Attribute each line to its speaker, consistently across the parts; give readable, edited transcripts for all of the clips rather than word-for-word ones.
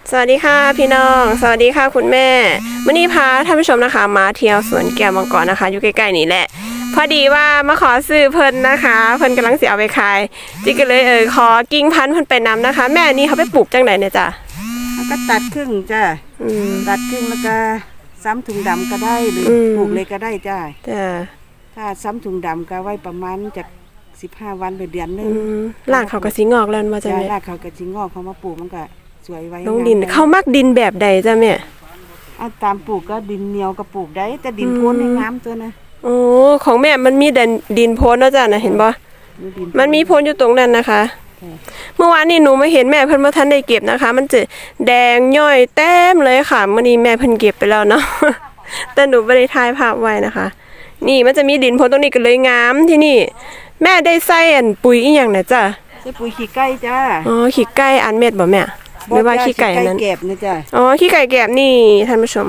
Speaker 1: สวัสดีค่ะพี่น้องสวัสดีค่ะคุณแม่วันนี้พาท่านผู้ชมนะคะมาเที่ยวสวนแก้วมังกรนะคะอยู่ใกล้ๆนี่แหละพอดีว่ามาขอซื้อเพิ่นนะคะเพิ่นกำลังสิเอาไปขายจิก็เลยขอกิ่งพันธุ์เพิ่นไปนำนะคะ แม่นี่เขาไปปลูกจังไหนเนี่ยจ้ะ
Speaker 2: แล้วก็ตัดครึ่งจ้ะตัดครึ่งแล้วก็ซ้ำถุงดำก็ได้หรือปลูกเลยก็ได้จ้ะถ้าซ้ำถุงดำก็ไว้ประมาณจาก15 วันหรือเดือนนึง
Speaker 1: รากเขาก็สิงอกแล้วว่าจ้ะแม่
Speaker 2: รากเขาก็สิงอกเขามาปลูกมันก็สวยไว้
Speaker 1: ลงดินเขามักดินแบบใดจ้ะแม่
Speaker 2: เอาตามปลูกก็ดินเหนียวก็ปลูกได้แต่ดินโพ้นให้งามตัวนะ
Speaker 1: โอ้ของแม่มันมีดินโพ้นเนาะจ้ะนะเห็นบ่มันมีโพ้นอยู่ตรงนั้นนะคะเมื่อวานนี้หนูมาเห็นแม่เพิ่นบ่ทันได้เก็บนะคะมันจะแดงย่อยเต็มเลยค่ะมื้อนี้แม่เพิ่นเก็บไปแล้วเนาะแต่หนูบ่ได้ถ่ายภาพไว้นะคะนี่มันจะมีดินโพ้นตรงนี้ก็เลยงามที่นี่แม่ได้ใส่ปุ๋ยอีหยังน่ะจ้ะ
Speaker 2: ใส่ปุ๋ยขี้ไก่จ้า
Speaker 1: อ๋อขี้ไก่อันเม็ดบ่แม่หรือว่าขี้ไก่นั้น
Speaker 2: แกบนะจ้ะ
Speaker 1: อ๋อขี้ไก่แกบนี่ท่านผู้ชม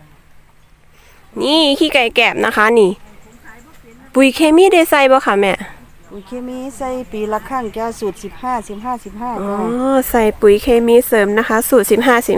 Speaker 1: นี่ขี้ไก่แกบนะคะนี่ปุ๋ยเคมีได้ใส่บ่ค่ะแม่
Speaker 2: ปุ๋ยเคมีใส่ปีละครั้งจ้าสูตร15
Speaker 1: อ๋อใส่ปุ๋ยเคมีเสริมนะคะสูตร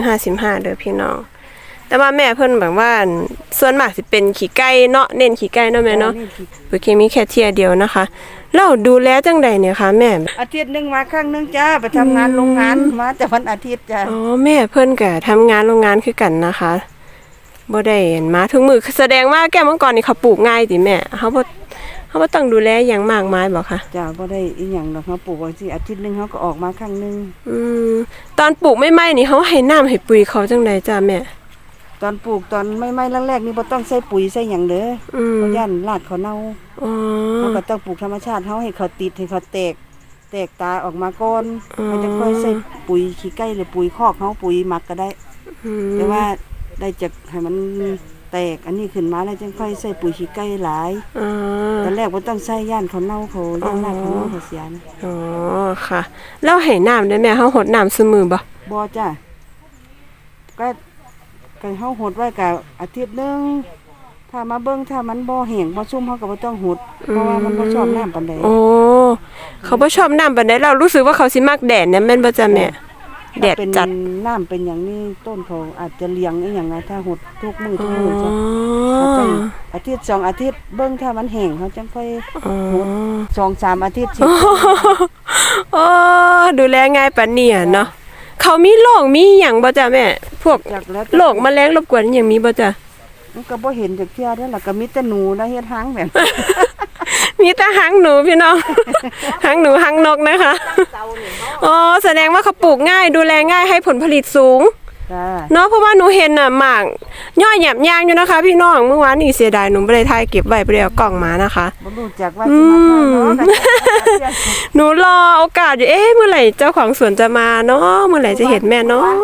Speaker 1: 15 เด้อพี่น้องแต่ว่าแม่เพิ่นแบบว่าส่วนมากสิเป็นขี้ไก่เนาะเน้นขี้ไก่เนาะแม่เนาะปุ๋ยเคมีแค่เที่ยเดียวนะคะแล้วดูแลจังใดเนี่ยคะแม่
Speaker 2: อาทิตย์นึงมาครั้งนึงจ้าไปทำงานโรงงานมาแต่วันอาทิตย์จ้า
Speaker 1: อ๋อแม่เพิ่นก็ทำงานโรงงานคือกันนะคะบ่ได้เห็นมาทุกมื้อแสดงว่าแก้วมังกรนี่เขาปลูกง่ายติแม่เขาบ่ต้องดูแลอย่างมากมายบ่คะ
Speaker 2: จ้าบ่ได้อีหยังดอกเขาปลูกไว้สิอาทิตย์นึงเขาก็ออกมาครั้งนึง
Speaker 1: ตอนปลูกใหม่ๆนี่เขาให้น้ำให้ปุ๋ยเขาจังไดจ้าแม่
Speaker 2: ตอนปลูกตอนไม่แรกๆนี่บ่ต้องใส่ปุ๋ยใส่หยังเด้อเพราะย่านรากเขาเน่าเขาก็ต้องปลูกธรรมชาติเขาให้เขาติดให้เขาแตกตาออกมาก่อนเขาจะค่อยใส่ปุ๋ยขี้ไก่หรือปุ๋ยคอกเขาปุ๋ยหมักก็ได้แต่ว่าได้จากให้มันแตกอันนี้ขึ้นมาแล้วจึงค่อยใส่ปุ๋ยขี้ไก่หลายตอนแรกบ่ต้องใส่ย่านเขาเน่าเขาย่านรากเขาเน่าเขาเสียนะ
Speaker 1: อ๋อค่ะแล้วให้น้ำได้แม่เขาหดน้ำซุมื้อ
Speaker 2: บ่จ้ะก็เฮาหดไว้กับอาทิตย์นึงถ้ามาเบิ่งถ้ามันบ่แห้งบ่ชุ่มเฮาก็บ่ต้องหดเพราะว่ามันบ่ชอบน้ำปานใด
Speaker 1: โอ้เขาบ่ชอบน้ำปานใดเรารู้สึกว่าเขาสิมักแดดเนี่ยแม่นบ่จ้ะแม่แดดจัด
Speaker 2: น้ำเป็นอย่างนี้ต้นเขาอาจจะเลี้ยงอีหยังนะถ้าหดทุกมื้อจ้ะจังอาทิตย์2 อาทิตย์เบิ่งถ้ามันแห้งเขาจังค่อยหด2-3 อาทิตย์สิ
Speaker 1: โอ้ดูแลง่ายปานนี้เนาะเขามีโรคมีหยังบ่จ้ะแม่พวกโรคแมลงรบกวนหยังมีบ่จ้ะ
Speaker 2: มันก็บ่เห็นจักเที่ยเด้อล่ะก็มีแต่หนูนะเฮ็ดหางแบบ
Speaker 1: มีแต่หางหนูพี่น้องหางหนูหางนกนะคะอ๋อแสดงว่าเขาปลูกง่ายดูแลง่ายให้ผลผลิตสูงเนาะเพราะว่าหนูเห็นน่ะหมากย่อยหยับยางอยู่นะคะพี่น้องเมื่อวานนี่เสียดายหนูบ่ได้ถ่ายเก็บไว้บ่ได้เอากล่องมานะคะ
Speaker 2: บ่รู้จักว่าสิมาเนาะ
Speaker 1: หนูรอโอกาสอยู่เมื่อไหร่เจ้าของสวนจะมาเนาะเมื่อไหร่จะเห็นแม่เนาะ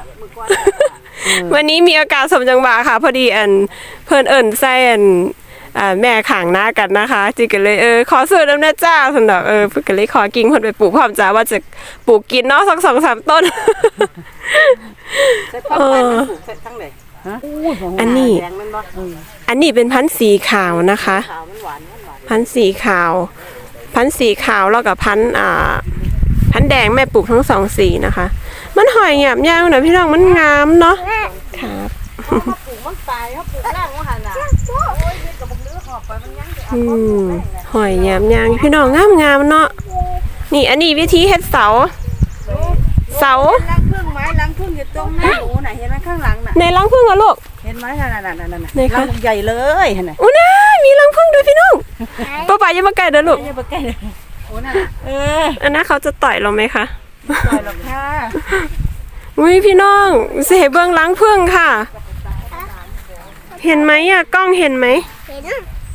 Speaker 1: วันนี้มีอากาศสมจังหวะค่ะพอดีเพิ่นใส่แม่ข้างหน้ากันนะคะจิก็เลยขอซื้อน้ำแน่จ้าซั่นดอกเพิ่นก็เลยขอกิ่งเพิ่นไปปลูกพร้อมจ้าว่าจะปลูกกินเนาะสัก 2-3 ต้น
Speaker 2: ใส่ความไปมันปลูกใส่ทั้งใด
Speaker 1: อันนี้เป็นพันธุ์สีขาวนะคะพันธุ์สีขาวแล้วก็พันธุ์แดงแม่ปลูกทั้ง2 สีนะคะมันหอยหยาบยาวนะพี่น้องมันงามเนาะครับ
Speaker 2: ปลูกมันตายเขาปลูกล่างว่าหั่นน่ะกับบักเนื้อหอบไปมันยัง
Speaker 1: หอยหยาบยาวพี่น้องงามเนาะนี่อันนี้วิธีเฮ็ดเสา
Speaker 2: ล้างพึ่งไม้ล้างพึ่งอยู่ตรงหน้าหนูน่ะเห็นมั้ยข้างหลังน่ะ
Speaker 1: ในรังผึ้งอ่ะลูก
Speaker 2: เห็นมั้ยนั่นรังใหญ่เลยเห็นมั้ย
Speaker 1: โอ้น่ามีรังผึ้งด้วยพี่น้องป้าอย่ามาใกล้เด้อลูก
Speaker 2: อย่ามาใกล้โอ้น่ะ
Speaker 1: อันนั้นเขาจะต่อยเราไหมคะ
Speaker 2: ต่อยหรอกค่ะ
Speaker 1: อุ้ยพี่น้องเสเบื้องล้างพึ่งค่ะเห็นไหมอ่ะกล้องเห็นไหมเห็น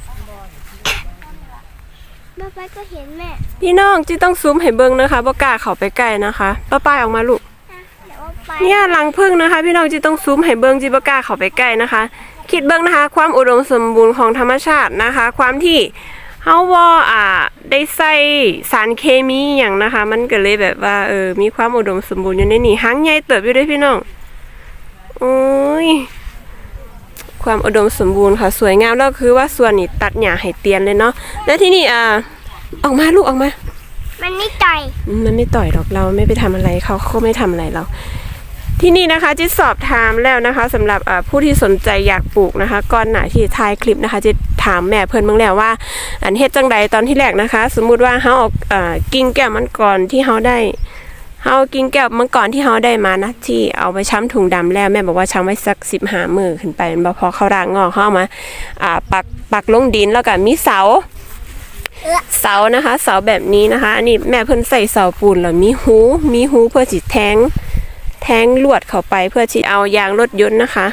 Speaker 3: ป้าก็เห็นแม่
Speaker 1: พี่น้องจีต้องซูมให้เบื้องนะคะบ่กล้าเข้าไปใกล้นะคะป้าออกมาลูกเนี่ยล้างพึ่งนะคะพี่น้องจีต้องซูมให้เบื้องจีบ่กล้าเข้าไปใกล้นะคะคิดเบื้องนะคะความอุดมสมบูรณ์ของธรรมชาตินะคะความที่เฮาว่าได้ใส่สารเคมีอย่างนะคะมันก็เลยแบบว่ามีความอุดมสมบูรณ์อยู่ในนี่หางใหญ่เติบอยู่ด้วยพี่น้องโอ้ยความอุดมสมบูรณ์ค่ะสวยงามแล้วคือว่าส่วนนี้ตัดหญ้าให้เตียนเลยเนาะแล้วที่นี่ออกมาลูกออกมา
Speaker 3: มันไม่ต่อย
Speaker 1: ดอกเราไม่ไปทำอะไรเขาไม่ทำอะไรเราที่นี่นะคะจิตสอบถามแล้วนะคะสำหรับผู้ที่สนใจอยากปลูกนะคะก่อนหน้าที่ถ่ายคลิปนะคะจิตถามแม่เพิ่นเบิ่งแล้วว่าอันเฮ็ดจังใดตอนที่แรกนะคะ สมมุติว่าเฮาเอากิ่งแก้วมังกรที่เฮาได้เฮากิ่งแก้วมังกรที่เฮาได้มานะที่เอาไปช้ำถุงดำแล้วแม่บอกว่าช้ำไว้สัก15 มื้อขึ้นไปบ่พอเขารากงอกเฮาเอามาปักลงดินแล้วก็มีเสานะคะเสาแบบนี้นะคะอันนี้แม่เพิ่นใส่เสาปูนแล้วมีหูเพื่อสิแทงลวดเข้าไปเพื่อที่เอายางรถยนต์นะคะ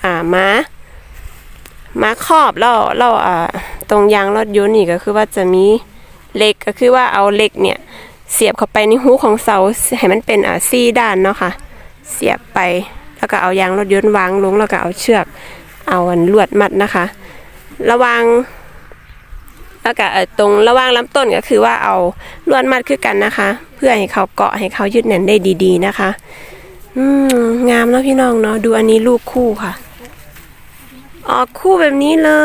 Speaker 1: มาครอบแล้วตรงยางรถยนต์นี่ก็คือว่าจะมีเหล็กก็คือว่าเอาเหล็กเนี่ยเสียบเข้าไปในหูของเสาให้มันเป็น4 ด้านเนาะค่ะเสียบไปแล้วก็เอายางรถยนต์วางลงแล้วก็เอาเชือกเอาลวดมัดนะคะระวังแล้วก็ตรงระหว่างลำต้นก็คือว่าเอาลวดมัดคือกันนะคะเพื่อให้เขาเกาะให้เขายึดแน่นได้ดีๆนะคะงามเนาะพี่น้องเนาะดูอันนี้ลูกคู่ค่ะออกคู่แบบนี้เลย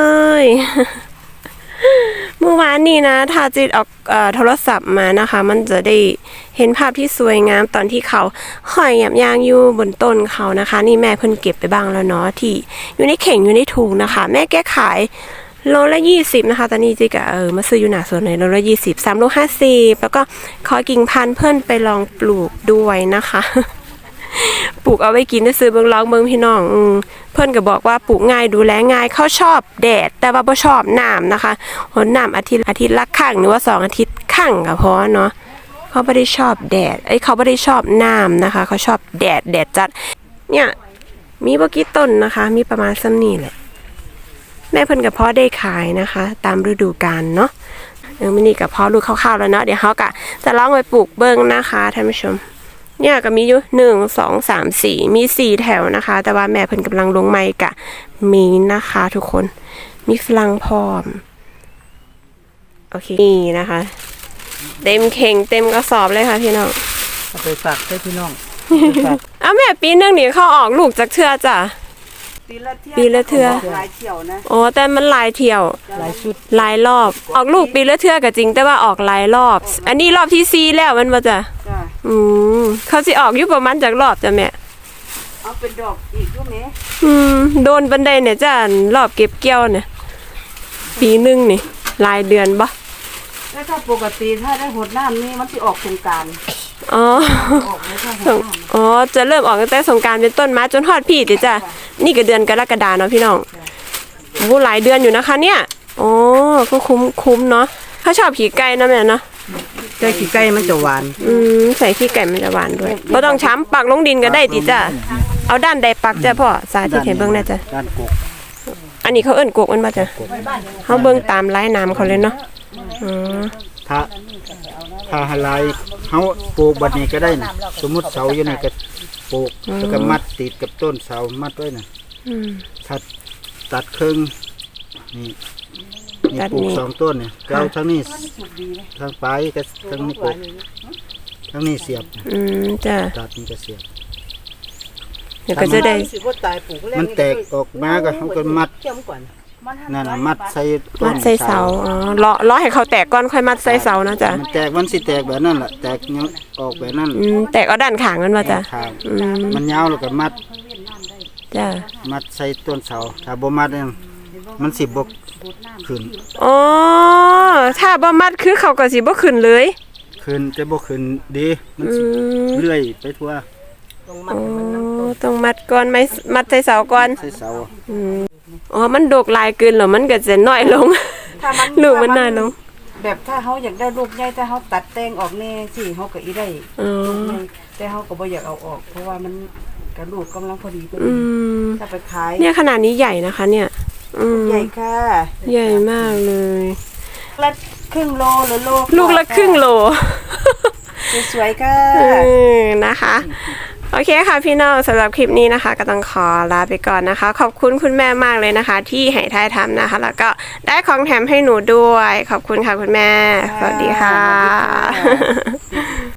Speaker 1: เมื่อวานนี้นะถ้าจิตออกโทรศัพท์มานะคะมันจะได้เห็นภาพที่สวยงามตอนที่เขาห้อยยางอยู่บนต้นเขานะคะนี่แม่เพิ่นเก็บไปบ้างแล้วเนาะที่อยู่ในเข่งอยู่ในถุงนะคะแม่แก้ขายโลละ20นะคะตอนนี้จิกะมาซื้ออยู่หน้าสวนเลยโลละ20 3 โล 50แล้วก็ขอกิ่งพันธุ์เพิ่นไปลองปลูกด้วยนะคะ ปลูกเอาไว้กินได้ซื้อเบิ่งลองเบิ่งพี่น้องเพิ่นก็บอกว่าปลูกง่ายดูแลง่ายเขาชอบแดดแต่ว่าบ่ชอบน้ำนะคะหนน้ำอาทิตย์ละครั้งหรือว่า2 อาทิตย์ครั้งก็พอเนาะเขาไม่ได้ชอบแดดเขาไม่ได้ชอบน้ำนะคะเขาชอบแดดจัดเนี่ยมีบ่กี่ต้นนะคะมีประมาณซ้ำนี่แหละแม่เพิ่นกับพ่อได้ขายนะคะตามฤดูกาลเนาะมื้อนี้กับพ่อลูกคร่าวๆแล้วเนาะเดี๋ยวเขาก็จะลองไปปลูกเบิ่งนะคะท่านผู้ชมเนี่ยก็มีอยู่1 2 3 4มี4 แถวนะคะแต่ว่าแม่เพิ่นกำลังลงไม้กะมีนะคะทุกคนมีฝรั่งพร้อมโอเคนี่นะคะเต็มเข่งเต็มกระสอบเลยค่ะพี่น้อง
Speaker 2: เอาไปฝากให้พี่น้อง
Speaker 1: อ้าวแม่ปีนึงนี่เขาออกลูกจากเทื่อจ้ะปีละเทื่อ
Speaker 2: หลายเที่ยวนะ
Speaker 1: อ๋อแต่มันหลายเที่ยว
Speaker 2: หลายชุด
Speaker 1: หลายรอบออกลูกปีละเทื่อก็จริงแต่ว่าออกหลายรอบ อันนี้รอบที่4แล้วมันบ่จ้ะ
Speaker 2: จ้ะ
Speaker 1: เขาสิออกอยู่ประมาณจากรอบจ้ะแม่
Speaker 2: เอาเป็นดอกอีกด้วยแม่
Speaker 1: โดนบันไดเนี่ยจ้ารอบเก็บเกี่ยวเนี่ยปีนึงนี่หลายเดือนบ่
Speaker 2: แล้วถ้าปกติถ้าได้หดน้ำนี่มันสิออกสงกรานต์
Speaker 1: อ๋อ
Speaker 2: ออกเลยถ้าหดน้ำ
Speaker 1: อ๋อจะเริ่มออกตั้งแต่สงกรานต์เป็นต้นมาจนฮอดพี่ติจ้ะนี่ก็เดือนกรกฎาเนาะพี่น้องโอ้หลายเดือนอยู่นะคะเนี่ยอ๋อก็คุ้มเนาะเขาชอบขี่ไก่นะแม่เนาะ
Speaker 2: ใจขี้ไก่มันจะหวาน
Speaker 1: ใส่ขี้ไก่มันจะหวานด้วยบ่ต้องช้ำปักลงดินก็ได้ติจ้ะเอาด้านใดปักจ้ะพ่อสาธิตให้เบิ่งได้จ้ะ
Speaker 2: ด้านกก
Speaker 1: อันนี้เขาเอิ้นกกมันบ่จ้ะเขาเบิ่งตามลายน้ำเขาเลยเนาะอ๋อ
Speaker 4: ถ้าหลายเฮาปลูกบัดนี้ก็ได้นะสมมุติเสาอยู่นี่ก็ปลูกแล้วก็มัดติดกับต้นเสามัดไว้น่ะถ้าตัดครึ่งนี่ปลูก2 ต้นเนี่ยเอาทั้งนี้ทางปลายก็ทั้งนี้ปลูกทั้งนี้เสียบ
Speaker 1: จ้ะ
Speaker 4: ตัดนี่ก็เสียบ
Speaker 1: เดี๋ยวก็จะได้
Speaker 4: มันแตกออกมาก็เฮาก็มัดนั่นน่ะมัดใส่ต้น
Speaker 1: มัดใส่เสาอ๋อรอให้เขาแตกก่อนค่อยมัดใส่เสานะจ้ะ
Speaker 4: มันแตกมันสิแตกแบบนั้นแหละแตกออกแบบนั้น
Speaker 1: แตกเอาด้านข้างมันบ่จ้ะ
Speaker 4: ข้างมันยาวแล้วก็มัด
Speaker 1: จ้ะ
Speaker 4: มัดใส่ต้นเสาถ้าบ่มัดเนี่ยมันสิบ่ขึ้น
Speaker 1: อ๋อถ้าบ่มัดคือเขาก็สิบ่ขึ้นเลย
Speaker 4: ขึ้นจะบ่ขึ้นดีมันสิเลื่อยไปทั่ว
Speaker 1: อ๋อต้องมัดก่อนไหมมัดใส่เสาก่อน
Speaker 4: ใส่เสา
Speaker 1: อ๋อมันดกหลายเกินแล้วมันก็จะน้อยลง
Speaker 2: ถ้ามัน
Speaker 1: ลูกมันน้อยลง
Speaker 2: แบบถ้าเขาอยากได้ลูกใหญ่ถ้าเขาตัดแต่งออกแน่สิเขาก็อีได้
Speaker 1: อ๋อ
Speaker 2: แต่เขาก็บ่อยากเอาออก เพราะว่ามันกระดูกกำลังพอดีพอ
Speaker 1: อื
Speaker 2: ดี
Speaker 1: ม
Speaker 2: ถ้าไปขาย
Speaker 1: เนี่ยขนาดนี้ใหญ่นะคะ เนี่ย
Speaker 2: ใหญ่ค่ะ
Speaker 1: ใหญ่มากเลย
Speaker 2: ละครึ่งโลหรือโล
Speaker 1: ลูกละครึ่งโล
Speaker 2: สวยๆค่ะ
Speaker 1: นะคะ โอเคค่ะพี่น้องสำหรับคลิปนี้นะคะ ก็ต้องขอลาไปก่อนนะคะ ขอบคุณคุณแม่มากเลยนะคะ ที่ให้ทายทำนะคะ แล้วก็ได้ของแถมให้หนูด้วย ขอบคุณค่ะคุณแม่ สวัสดีค่ะ